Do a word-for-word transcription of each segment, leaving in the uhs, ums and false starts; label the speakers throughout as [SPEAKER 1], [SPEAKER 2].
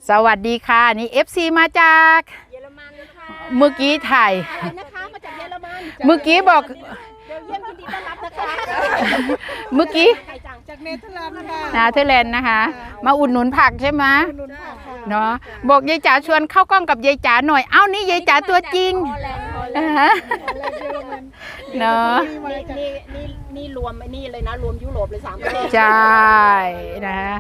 [SPEAKER 1] สวัสดีค่ะนี่ เอฟ ซี มาจาก
[SPEAKER 2] เยอรมันค่ะ
[SPEAKER 1] เมื่อกี้ถ่าย
[SPEAKER 2] นะคะมาจากเยอรมัน
[SPEAKER 1] เมื่อกี้บอก
[SPEAKER 2] เบลเยียมยินดีต้อนรับนะคะ
[SPEAKER 1] เมื่อกี้
[SPEAKER 2] จากเนเธอร์แลนด์ค่ะ
[SPEAKER 1] นาเธอร์แลนด์นะคะมาอุดหนุนผักใช่ไหมเนาะบอกยายจ๋าชวนเข้ากล้องกับยายจ๋าหน่อยเอ้านี่ยายจ๋าตัวจริงเนาะ
[SPEAKER 2] นี่นี่นี่รวมนี่เลยนะรวมยุโรปเลยสามประเทศ
[SPEAKER 1] ใช่นะคะ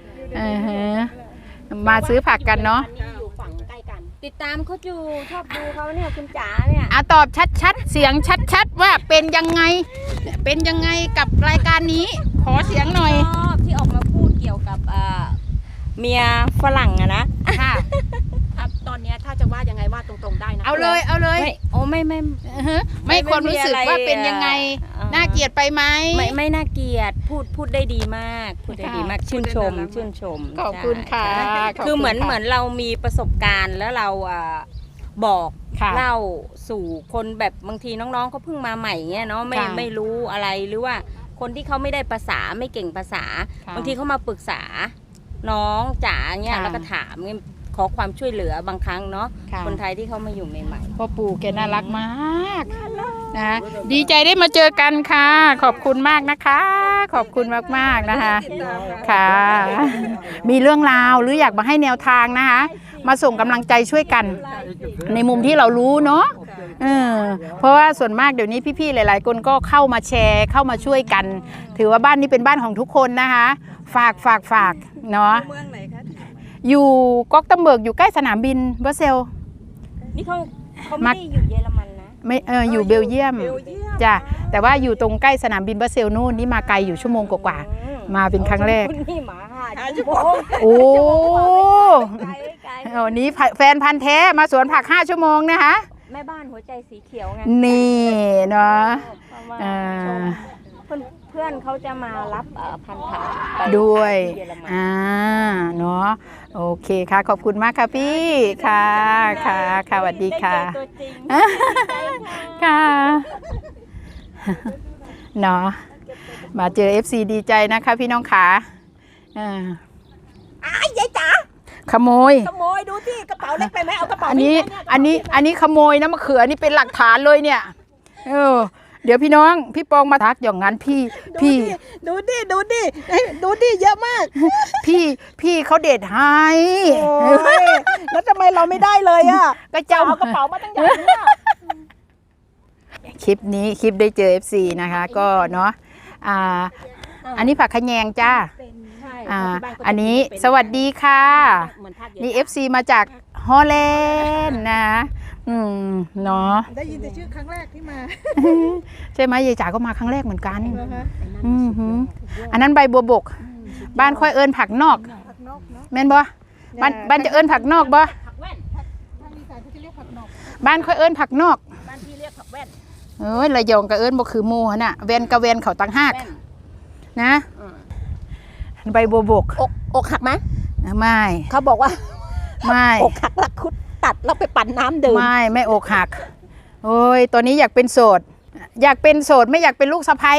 [SPEAKER 1] มาซื้อผักกันเนาะ
[SPEAKER 2] อยู่ฝั่งใกล้กันติดตามเขาอยู่ชอบดูเขาเนี่ยคุณจ๋าเนี่ย
[SPEAKER 1] อ่ะตอบชัดๆเสียงชัดๆว่าเป็นยังไงเป็นยังไงกับรายการนี้ขอเสียงหน่อย
[SPEAKER 2] ชอบที่ออกมาพูดเกี่ยวกับเมียฝรั่งอะนะค่ะตอนนี้ถ้าจะว่ายังไงว่าตรงๆได้นะ
[SPEAKER 1] เอาเลยเอาเลย
[SPEAKER 2] โอ้ไม่ไม่
[SPEAKER 1] ไม่คนรู้สึกว่าเป็นยังไงน่าเกลียดไปไหม
[SPEAKER 2] ไม่ไม่น่าเกลียดพูดพูดได้ดีมากพูดได้ดีมากชื่นชมชื่นชม
[SPEAKER 1] ขอบคุณค่ะ
[SPEAKER 2] คือเหมือนเหมือนเรามีประสบการณ์แล้วเราบอกเล่าสู่คนแบบบางทีน้องๆเขาเพิ่งมาใหม่เงี้ยเนาะไม่ไม่รู้อะไรหรือว่าคนที่เขาไม่ได้ภาษาไม่เก่งภาษาบางทีเขามาปรึกษาน้องจ๋าเงี้ยแล้วก็ถามขอความช่วยเหลือบางครั้งเนาะคนไทยที่เขามาอยู่ใหม่
[SPEAKER 1] ๆพ่อปู่แกน่ารักมากนะดีใจได้มาเจอกันค่ะขอบคุณมากนะคะขอบคุณมากๆนะคะค่ะมีเรื่องราวหรืออยากมาให้แนวทางนะคะมาส่งกำลังใจช่วยกันในมุมที่เรารู้เนาะเออเพราะว่าส่วนมากเดี๋ยวนี้พี่ๆหลายๆคนก็เข้ามาแชร์เข้ามาช่วยกันถือว่าบ้านนี้เป็นบ้านของทุกคนนะคะฝากฝากฝากเนาะอยู่ก๊อกตัมเบิร์กอยู่ใกล้สนามบินบรัสเซล
[SPEAKER 2] นี่เขาเขาไม่ได้อยู่เยอรมันนะ
[SPEAKER 1] ไม่เอออยู่เบลเยียมจ้ะแต่ว่าอยู่ตรงใกล้สนามบินบรัสเซลนู่นนี่มาไกลอยู่ชั่วโมงกว่าๆมาเป็นครั้งแรก
[SPEAKER 2] นี่หมาห้าชั่วโมง
[SPEAKER 1] โอ้วันนี้แฟนพันธ์แท้มาสวนผักห้าชั่วโมงนะคะ
[SPEAKER 2] แม่บ้านหัวใจสีเขียวไง
[SPEAKER 1] นี่เนาะ
[SPEAKER 2] เพื่อนเขาจะมารับพันธุ์ผัก
[SPEAKER 1] ด้วยอ่าเนาะโอเคค่ะขอบคุณมากค่ะพี่ค่ะค่ะค่ะสวัสดีค่ะค่ะเนาะมาเจอ เอฟ ซี ดีใจนะคะพี่น้องขา
[SPEAKER 2] อ่าอ้ายยายจ๋า
[SPEAKER 1] ขโมย
[SPEAKER 2] ขโมยดูที่กระเป๋าเล็กไปไหมเอากระเป๋า
[SPEAKER 1] อันนี้อันนี้อันนี้ขโมยนะมะเขือนี่เป็นหลักฐานเลยเนี่ยเออเดี๋ยวพี่น้องพี่ปองมาทักอย่างนั้นพี่พี่
[SPEAKER 2] ดูดิดูดิดูดิเยอะมาก
[SPEAKER 1] พี่พี่เขาเด็ดให้
[SPEAKER 2] แล้วทำไมเราไม่ได้เลยอ่ะ
[SPEAKER 1] ก็เจ้า
[SPEAKER 2] เอากระเป๋ามาตั้งใหญ่เนี่ย
[SPEAKER 1] คลิปนี้คลิปได้เจอ เอฟ ซี นะคะก็เนาะอ่าอันนี้ผักขะแยงจ้าอ่าอันนี้สวัสดีค่ะนี่ เอฟ ซี มาจากฮอลแลนด์นะอืมเนาะ
[SPEAKER 2] ได้ยินแต่ชื่อครั้งแรกที่มา
[SPEAKER 1] ใช่ไหมยายจ๋าก็มาครั้งแรกเหมือนกันอืมอันนั้นใบบัวบกบ้านค่อยเอิญผักนอกแม่นบ่บ้านบ้านจะเอิญผักนอกบ่บ้านค่อยเอิญผักนอก
[SPEAKER 2] บ้านที่เรียกผักแว่น
[SPEAKER 1] เอ้ยระยองกับเอิญบ่คือหมู่น่ะแวนกับแวนเขาต่างหากนะใบบัวบก
[SPEAKER 2] อกอกหักไหม
[SPEAKER 1] ไม่
[SPEAKER 2] เขาบอกว่า
[SPEAKER 1] ไม่
[SPEAKER 2] อกหักแล้วคุดตัดแล้วไปปั่นน้ำดื่ม
[SPEAKER 1] ไม่ไม่อกหักโอ้ยตอนนี้อยากเป็นโสดอยากเป็นโสดไม่อยากเป็นลูกสะใภ้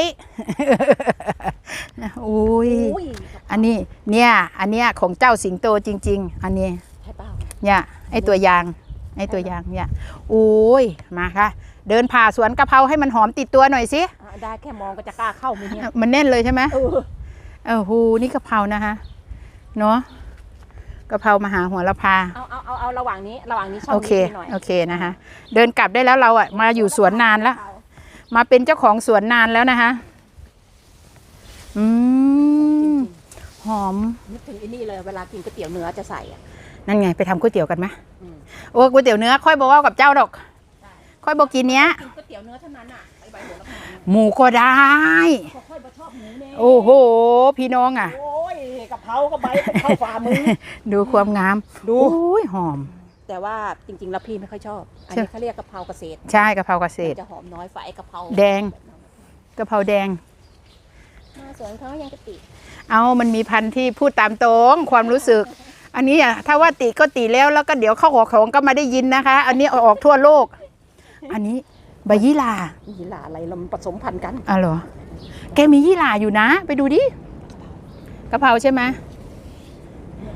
[SPEAKER 1] อุ้ยอันนี้เนี่ยอันเนี้ยของเจ้าสิงโตจริงๆอันนี้เนี่ยไอตัวยางไอตัวยางเนี่ยอุ้ยมาค่ะเดินผ่าสวนกะเพราให้มันหอมติดตัวหน่อยสิ
[SPEAKER 2] ได้แค่มองก็จะกล้าเข้าไหมเนี่ย
[SPEAKER 1] มันแน่นเลยใช่ไหมเออเออหูนี่กะเพรานะคะเนาะกะเพรามหาหัวละพา
[SPEAKER 2] เอาเอาเอาเอาระหว่างนี้ระหว่างนี้ช่อง
[SPEAKER 1] นี้โอเคโอเคนะคะเดินกลับได้แล้วเราอ่ะมาอยู่สวนนานแล้วมาเป็นเจ้าของสวนนานแล้วนะคะอืมหอม
[SPEAKER 2] นึกถึงไอ้นี่เลยเวลากินก๋วยเตี๋ยวเนื้อจะใส่อ่ะ
[SPEAKER 1] นั่นไงไปทำก๋วยเตี๋ยวกันไหมโอ้ก๋วยเตี๋ยวเนื้อค่อยบอกว่ากับเจ้าดอกค่อยบอกกินเนี้ย
[SPEAKER 2] ก๋วยเตี๋ยวเนื้อเท่านั้นอ่ะใบหัวละพา
[SPEAKER 1] หมูก็ได้
[SPEAKER 2] ค่อยชอบหมูเนี่ย
[SPEAKER 1] โอ้โหพี่น้องอ่ะ
[SPEAKER 2] โอ้ยกะเพราก็ใบเข้าฝ่ามือ
[SPEAKER 1] ดูความงามดูโอ้ยหอม
[SPEAKER 2] แต่ว่าจริงๆแล้วพี่ไม่ค่อยชอบอันนี้เขาเรียกกะเพราเกษตร
[SPEAKER 1] ใช่กะเพราเกษตร
[SPEAKER 2] จะหอมน้อยฝ่ายกะเพรา
[SPEAKER 1] แดงกะเพราแดง
[SPEAKER 2] มาสวนเขายังกะติ
[SPEAKER 1] เอามันมีพันธุ์ที่พูดตามตรงความรู้สึกอันนี้อ่ะถ้าว่าติก็ติแล้วแล้วก็เดี๋ยวเข้าหัวของก็มาได้ยินนะคะอันนี้ออกทั่วโลกอันนี้ใบยี่หร่า
[SPEAKER 2] ยี่หร่าอะไรเราผสมพันธุ์กัน
[SPEAKER 1] อ๋อเหรอแกมียี่หร่าอยู่นะไปดูดิกะเพราใช่ไหม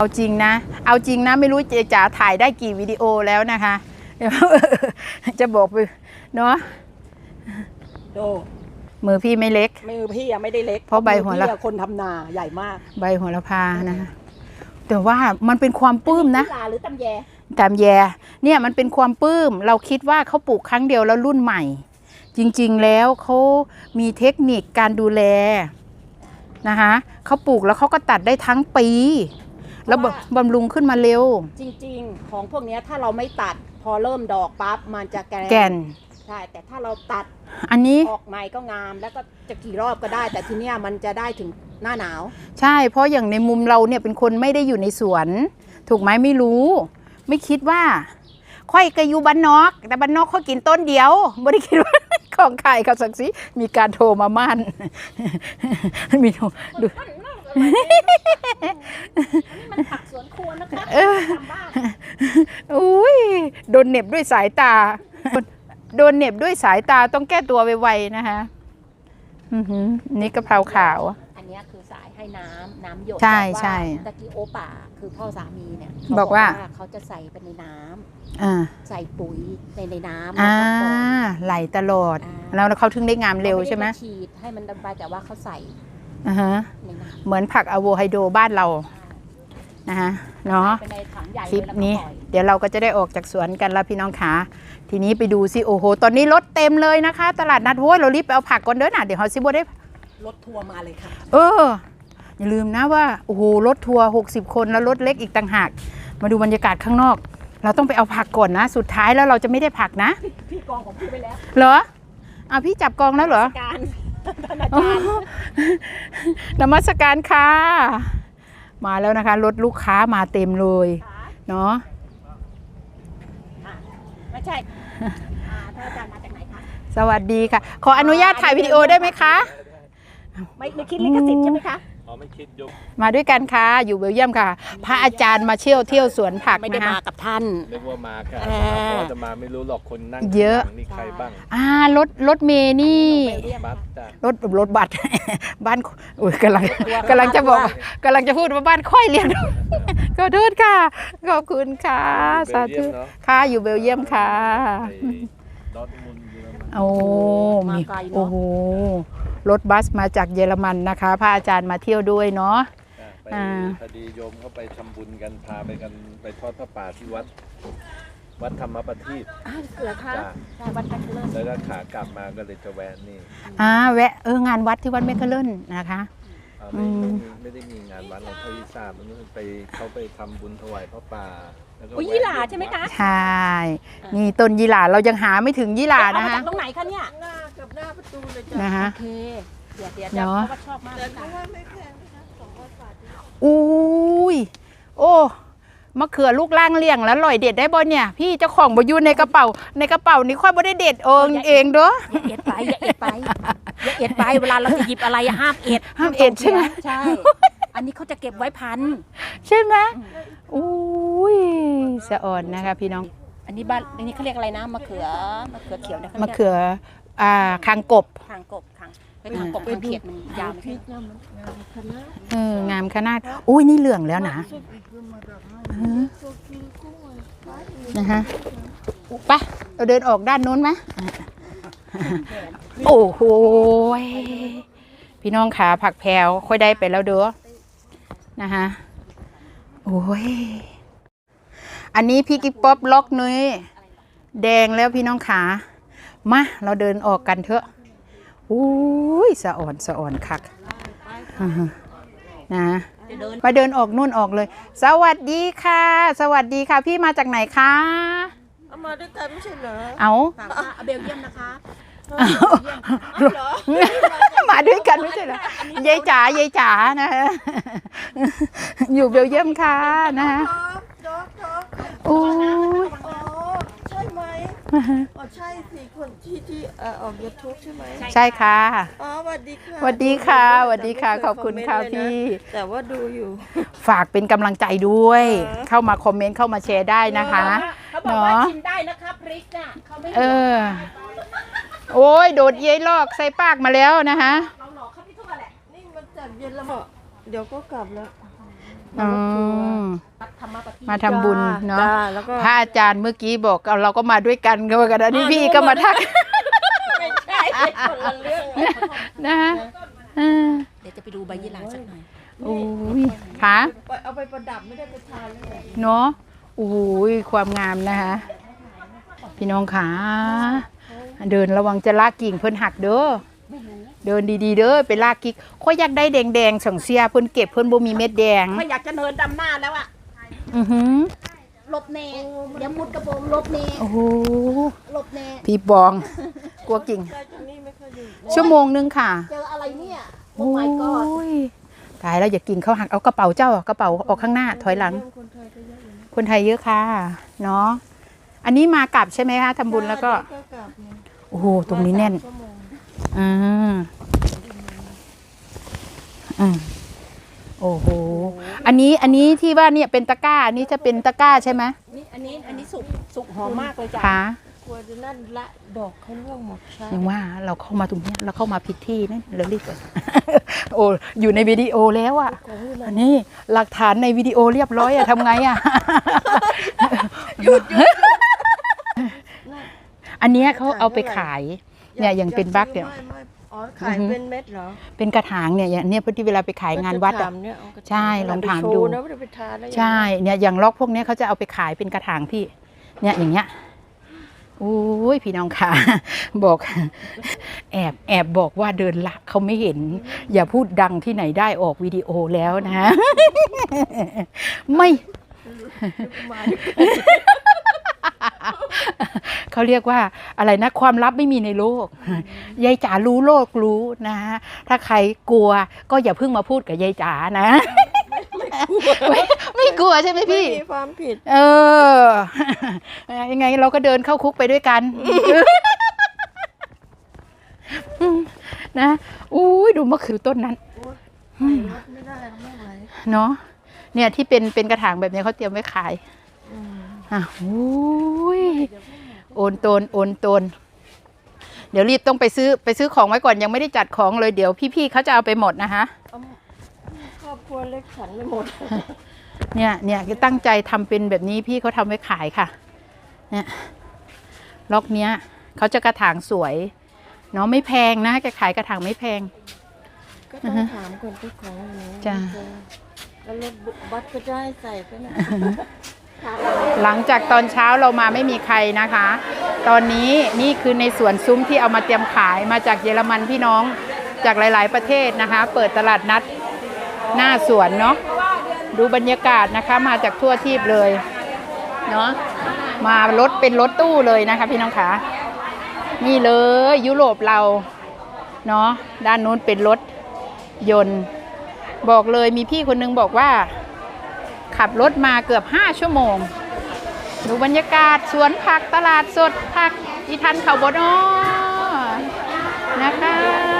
[SPEAKER 1] เอาจริงนะเอาจริงนะไม่รู้เจจ๋าถ่ายได้กี่วิดีโอแล้วนะคะเดี๋ยวจะบอกไปเนาะ
[SPEAKER 3] โด
[SPEAKER 1] มือพี่ไม่เล็ก
[SPEAKER 3] มือพี่อะไม่ได้เล็ก
[SPEAKER 1] เพราะใบหัวละ
[SPEAKER 3] มือพี่อะคนทำนาใหญ่มาก
[SPEAKER 1] ใบโหระพานะคะแต่ว่ามันเป็นความปลื้มนะ
[SPEAKER 3] ลาหรือตำแย
[SPEAKER 1] ตามแยเนี่ยมันเป็นความปลื้มเราคิดว่าเขาปลูกครั้งเดียวแล้วรุ่นใหม่ จริงๆแล้วเขามีเทคนิคการดูแลนะคะเขาปลูกแล้วเขาก็ตัดได้ทั้งปีแล้วบำรุงขึ้นมาเร็ว
[SPEAKER 3] จริงๆ ของพวกเนี้ยถ้าเราไม่ตัดพอเริ่มดอกปั๊บมันจะแกร
[SPEAKER 1] แก่น
[SPEAKER 3] ใช่แต่ถ้าเราตัด
[SPEAKER 1] อันนี้
[SPEAKER 3] ออกใหม่ก็งามแล้วก็จะกี่รอบก็ได้ แต่ทีเนี้ยมันจะได้ถึงหน้าหนาว
[SPEAKER 1] ใช่เพราะอย่างในมุมเราเนี่ยเป็นคนไม่ได้อยู่ในสวน ถูกไหมไม่รู้ ไม่คิดว่าค่อยกระยูบ้านนอกแต่บ้านนอกเขากินต้นเดียวไม่ได้คิดว่า ของใครเขาสักสิมีการโทรมามั่น มีโทรดู
[SPEAKER 3] มันผักสวนครัวนะคะทำบ้าน
[SPEAKER 1] อุ้ยโดนเหน็บด้วยสายตา โดนเหน็บด้วยสายตาต้องแก้ตัวไวๆนะคะอือหือนี่กะเพราขาว
[SPEAKER 3] อันเนี้ยคือสายให้น้ำน้ำหยด
[SPEAKER 1] ใช่
[SPEAKER 3] แต่ว่า
[SPEAKER 1] ใช่
[SPEAKER 3] ตะกี้โอป่าคือพ่อสามีเนี่ยเข
[SPEAKER 1] บอกว่า
[SPEAKER 3] เขาจะใส่ไปในน้ำ
[SPEAKER 1] อ่า
[SPEAKER 3] ใส่ปุ๋ยในในน้ำ
[SPEAKER 1] อ่า
[SPEAKER 3] แล้วก็ปล่อย
[SPEAKER 1] ไหลตลอด
[SPEAKER 3] อ่า
[SPEAKER 1] แล้วเขาถึงได้งามเร็วใช่ไหม
[SPEAKER 3] ขาด้าฉีดให้มันดำไปแต่ว่าเขาใส่
[SPEAKER 1] อ่าฮะ
[SPEAKER 3] ในน้ำ
[SPEAKER 1] เหมือนผักอะโวไฮโดรบ้านเรานะคะเนาะ
[SPEAKER 3] ไปในถังใหญ่
[SPEAKER 1] คลิป
[SPEAKER 3] เลยแล้วก็
[SPEAKER 1] นี้
[SPEAKER 3] ปล่อย
[SPEAKER 1] เดี๋ยวเราก็จะได้ออกจากสวนกันแล้วพี่น้องขาทีนี้ไปดูสิโอ้โหตอนนี้รถเต็มเลยนะคะ ตลาดนัดโว้ยเรารีบไปเอาผักก่อนเด้อนะเดี๋ยวเขาซิบได้
[SPEAKER 3] รถทัวร์มาเลยค่ะ
[SPEAKER 1] เอออย่าลืมนะว่าโอ้โหรถทัวร์หกสิบคนแล้วรถเล็กอีกต่างหากมาดูบรรยากาศข้างนอก เราต้องไปเอาผักก่อนนะสุดท้ายแล้วเราจะไม่ได้ผักนะ
[SPEAKER 3] พี่กองของพี่ไปแล้ว
[SPEAKER 1] เหรออ่ะพี่จับกองแล้วเหรอ
[SPEAKER 3] การท่านอาจารย์
[SPEAKER 1] นมัสการค่ะมาแล้วนะคะรถลูกค้ามาเต็มเลยเนาะ
[SPEAKER 3] ไม่ใช่อ่าท่านอาจารย์มาจากไหนคะ
[SPEAKER 1] สวัสดีค่ะ ขออนุญาตถ่ายวิดีโอได้ไหมคะ
[SPEAKER 3] ไม่ไม่คิดลิขสิทธิ์ใช่ไหมคะ
[SPEAKER 4] อ๋อไม่คิดยก
[SPEAKER 1] มาด้วยกันค่ะอยู่เบลเยียมค่ะ พระอาจารย์มาเที่ยวเที่ยวสวนผัก
[SPEAKER 3] ไม่ได้
[SPEAKER 1] นะ
[SPEAKER 3] มา
[SPEAKER 1] คะ
[SPEAKER 3] กับท่าน
[SPEAKER 4] นึกว่ามาค่ะ
[SPEAKER 3] อ่า
[SPEAKER 4] พอจะมาไม่รู้หรอกคนนั่ง
[SPEAKER 1] เยอะ
[SPEAKER 4] ข้างหลังนี่ใครบ้าง
[SPEAKER 1] อ่ารถรถเมย์นี่
[SPEAKER 4] บัสจ้ะ
[SPEAKER 1] รถรถบัตร บ้านอุ้ยกำลังกำลังจะบอกกำลังจะพูดว่าบ้านค่อยเรียน ขอโทษค่ะขอบคุณค่ะสาธุค่ะอยู่เบลเยียมค่ะ
[SPEAKER 4] ไอ้ดอร์ทมุนด์เยอรมัน
[SPEAKER 1] โอ้มีโอ้โหรถบัสมาจากเยอรมันนะคะ พระอาจารย์มาเที่ยวด้วยเนาะ
[SPEAKER 4] อ่ะไป
[SPEAKER 1] อ่า
[SPEAKER 4] พอดีโยมเขาไปทำบุญกันพาไปกันไปทอดพระป่าที่วัด วัดธรรมประทีป
[SPEAKER 3] อ้าวเหรอคะ
[SPEAKER 4] จ้ะ
[SPEAKER 3] ใช่วัดแพทเลิศ
[SPEAKER 4] แล้วก็ขากลับมาก็เลยจะแวะนี่
[SPEAKER 1] อ่าแวะเอองานวัดที่วัดเมกะเลินนะคะ
[SPEAKER 4] เอา
[SPEAKER 1] อื
[SPEAKER 4] ไม่
[SPEAKER 1] ม
[SPEAKER 4] ไม่ได้มีงานวัดเราเท่าที่ทราบมันไปเขาไปทำบุญถวายพระป่าแล้วก็
[SPEAKER 3] อุ้ย
[SPEAKER 4] แวะ
[SPEAKER 3] ยี่หร่าใช่ไหมคะ
[SPEAKER 1] ใช่นี่ต้นยี่หร่าเรายังหาไม่ถึงยี่หร่า
[SPEAKER 3] เอา
[SPEAKER 1] นะ
[SPEAKER 3] มา
[SPEAKER 1] คะ
[SPEAKER 3] จากตรงไหนคะเนี่ย
[SPEAKER 5] หน้ากับหน้าประตูเลยจ้ะ
[SPEAKER 1] นะคะ
[SPEAKER 3] โอเคเดี๋ยวเดี๋ยว
[SPEAKER 1] เนอะ
[SPEAKER 3] เพราะว่าชอบมากเลย
[SPEAKER 5] เพ
[SPEAKER 3] ค่ะ
[SPEAKER 5] ราะว่าไม่แพงนะคะสองร้อยบาท
[SPEAKER 1] อุ้ยโอ้มะเขือลูกล่างเลี่ยงแล้วลอยเด็ดได้บ่เนี่ย พี่เจ้าของบ่อยู่ในกระเป๋าในกระเป๋านี่ค่อยบ่ได้เด็ดเองเองเด้อ
[SPEAKER 3] อย่าเอ็ดไปอย่าเอ็ดไปอย่าเอ็ดไปเวลาเราจะหยิบอะไรอะห้ามเอ็ด
[SPEAKER 1] ห้ามเอ็ดใช่ไหม
[SPEAKER 3] ใช่ อันนี้เขาจะเก็บไว้พัน
[SPEAKER 1] ใช่ไหมอุ้ยสะอ่อนนะคะพี่น้อง
[SPEAKER 3] อันนี้บ้านอันนี้เขาเรียกอะไรนะมะเขือมะเขือเขียวนะ
[SPEAKER 1] มะเขืออ่าคางกบ
[SPEAKER 3] ทางกบทางไปทางกบทางเขียดมันยาวไม่
[SPEAKER 5] พริ
[SPEAKER 3] ใช่
[SPEAKER 5] กน้ำมันงามคณะ
[SPEAKER 1] เอองามขนาดอุ้ยนี่เหลืองแล้วนะ
[SPEAKER 5] สุดอีกคือมาดับให้
[SPEAKER 1] เออ
[SPEAKER 5] ตัวคือกุ้งอ่ะ
[SPEAKER 1] นะคะไปเราเดินออกด้านโน้นไหมโอ้โหพี่น้องขาผักแพรวค่อยได้ไปแล้วเด้อนะคะโอ้ยอันนี้พี่กิ๊บป๊อปล็อกนุ้ยแดงแล้วพี่น้องขามาเราเดินออกกันเถอะอุ้ยสะอ่อนสะอ่อนคักอ่าฮะนะมาเดินออกนู่นออกเลย สวัสดีค่ะ สวัสดีค่ะ พี่มาจากไหนคะ
[SPEAKER 5] เอามาด้วยกันไม่ใช่เหรอ
[SPEAKER 1] เอา
[SPEAKER 3] ถามว่าเบลเยียมนะคะ
[SPEAKER 1] มาด้วยกันไม่ใช่เหรอยายจ๋ายายจ๋านะฮะอยู่เบลเยียมค่ะนะฮะ
[SPEAKER 5] ดอกดอก
[SPEAKER 1] โอ้ย
[SPEAKER 5] อ๋อใช่ไหมอ๋อใช่สิคนที่ที่เอ่อออกยูทูบใช่ไหม
[SPEAKER 1] ใช่ค่ะ
[SPEAKER 5] อ๋อสวัสดีค่ะ
[SPEAKER 1] สวัสดีค่ะสวัสดีค่ะขอบคุณค่ะพี่
[SPEAKER 5] แต่ว่าดูอยู่
[SPEAKER 1] ฝากเป็นกำลังใจด้วย
[SPEAKER 5] เออ
[SPEAKER 1] เข้ามาคอมเมนต์เข้ามาแชร์ได้นะคะ
[SPEAKER 3] เขาบอกว่า
[SPEAKER 1] เนาะ
[SPEAKER 3] ชิมได้นะคะพริกน่ะเขาไม่
[SPEAKER 1] เออ โอ้ยโดดเย้ยลอกใส่ปากมาแล้วนะคะ
[SPEAKER 3] เราหลอกเขาไม่ทั่วแหละ
[SPEAKER 5] นี่มันจัดเย็นแล้วบอกเดี๋ยวก็กลับแล้ว
[SPEAKER 1] อืมมาทำบุญเนาะ
[SPEAKER 5] จ้แล้วก็
[SPEAKER 1] พระอาจารย์เมื่อกี้บอกเอาเราก็มาด้วยกันก็ว่ากันนะนี่พี่ก็มาทัก
[SPEAKER 5] ไม่ใช่คนละเรื่อง
[SPEAKER 1] นะฮะอ่า
[SPEAKER 3] เดี๋ยวจะไปดูใบยี่หร่าสักหน่อย
[SPEAKER 1] โอ้ยค่ะ
[SPEAKER 5] เอาไปประดับไม่ได้ไปทานเลย
[SPEAKER 1] เนาะโอ้ยความงามนะคะพี่น้องขาเดินระวังจะลากกิ่งเพิ่นหักเด้อเดินดีๆเด้อไปลากกิ่งค่อยอยากได้แดงๆสังเสียเพิ่นเก็บเพิ่นบ่มีเม็ดแดง
[SPEAKER 3] ไม่อยากจะเดินดำหน้าแล้วอะ
[SPEAKER 1] อือหือ
[SPEAKER 3] หลบเนเดี๋ยวมุดกระโปรงหลบเน
[SPEAKER 1] โอ้โห
[SPEAKER 3] หลบเน
[SPEAKER 1] พี่บอง กลัวกิ่ง
[SPEAKER 5] ใช่ตรงนี้ไม่ค่อยดี
[SPEAKER 1] ชั่วโมงนึงค่ะ
[SPEAKER 3] เจออะไรเนี่ย
[SPEAKER 1] โอ้
[SPEAKER 3] โอ้ my god
[SPEAKER 1] ยตายแล้วอย่ากินเขาหักเอากระเป๋าเจ้ากระเป๋าออกข้างหน้าถอยหลัง
[SPEAKER 5] คนไทยก็เยอะอยู่นะ
[SPEAKER 1] คนไทยเยอะค่ะเนาะอันนี้มากลับใช่ไหมคะทำบุญแล้วก็
[SPEAKER 5] ก็กลับเนี่ย
[SPEAKER 1] โอ้โหตรงนี้แน่น
[SPEAKER 5] ชั่วโมง
[SPEAKER 1] อ่าอืมโอ้โหอันนี้อันนี้ที่ว่าเนี่ยเป็นตะกร้าอันนี้จะเป็นตะกร้าใช่ไหม
[SPEAKER 3] นี่อันนี้อันนี้สุกสุกหอมมากเลยจ้ะ
[SPEAKER 1] คะ
[SPEAKER 5] กลัวจะนั่นละดอกเขาร่วงหมดใช่
[SPEAKER 1] ยังว่าเราเข้ามาตรงเนี้ยเราเข้ามาผิดที่นั่นเรารีบก่อน โอ้อยู่ในวิดีโอแล้วอ่ะอันนี้หลักฐานในวิดีโอเรียบร้อยอะทำไงอะ หยุดหยุดอันเนี้ยเขาเอาไปขายเนี่ยยังเป็นบั๊กเนี่ย
[SPEAKER 5] ไม่ไม่อ๋อขายเป็นเม็ดเหรอ
[SPEAKER 1] เป็นกระถางเนี่ยอย่างเนี้ยพอดีเวลาไปขายงานวัด
[SPEAKER 5] กระ
[SPEAKER 1] อะ
[SPEAKER 5] ถางเนี่ยเอากระถาง
[SPEAKER 1] ใช่ลองถามดู
[SPEAKER 5] เไปโชว์นะว่าจะไปทานได้ยังไง
[SPEAKER 1] ใช่เนี่ยอย่างล็อกพวกเนี้ยเขาจะเอาไปขายเป็นกระถางพี่เนี่ยอย่างเงี้ยโอ้ยพี่น้องค่ะ บอก แอบแอบบอกว่าเดินละเขาไม่เห็น อย่าพูดดังที่ไหนได้ออกวิดีโอแล้วนะ ไม่ เขาเรียกว่าอะไรนะความลับไม่มีในโลก ยายจ๋ารู้โลกรู้นะถ้าใครกลัวก็อย่าเพิ่งมาพูดกับยายจ๋านะ ไม่ไม่กลัวใช่ไหม
[SPEAKER 5] ไม่
[SPEAKER 1] พี่
[SPEAKER 5] มีความผิด
[SPEAKER 1] เออ ยังไงเราก็เดินเข้าคุกไปด้วยกัน นะอุ้ยดูมะเขือต้นนั้น
[SPEAKER 5] ไม่ได้ไม่ไหว
[SPEAKER 1] เนาะเนี่ยที่เป็นเป็นกระถางแบบนี้เขาเตรียมไว้ขาย
[SPEAKER 5] อืม
[SPEAKER 1] อ่ะอุ้ยโอนโตนโอนโตนเดี๋ยวรีบต้องไปซื้อไปซื้อของไว้ก่อนยังไม่ได้จัดของเลยเดี๋ยวพี่ๆเขาจะเอาไปหมดนะคะ
[SPEAKER 5] เอาครอบครัวเล็กฉันไม่หมด
[SPEAKER 1] เนี่ยเนี่ยตั้งใจทำเป็นแบบนี้พี่เขาทำไว้ขายค่ะ เนี่ยล็อกเนี้ยเขาจะกระถางสวยเนาะไม่แพงนะแกขายกระถางไม่แพง
[SPEAKER 5] ก็ต้องถามคนที่ของหนู
[SPEAKER 1] จ้ะ
[SPEAKER 5] แล้วรถบัสก็จะให้ใส่ไปนะ
[SPEAKER 1] หลังจากตอนเช้าเรามาไม่มีใครนะคะ ตอนนี้นี่คือในสวนซุ้มที่เอามาเตรียมขายมาจากเยอรมันพี่น้องจากหลาย ๆ ประเทศนะคะ เปิดตลาดนัดหน้าสวนเนาะดูบรรยากาศนะคะมาจากทั่วทีปเลยเนาะมารถเป็นรถตู้เลยนะคะพี่น้องคะนี่เลยยุโรปเราเนาะด้านนู้นเป็นรถยนต์บอกเลยมีพี่คนนึงบอกว่าขับรถมาเกือบห้าชั่วโมงดูบรรยากาศสวนผักตลาดสดผักอีทันเขาบดอ้อนะคะ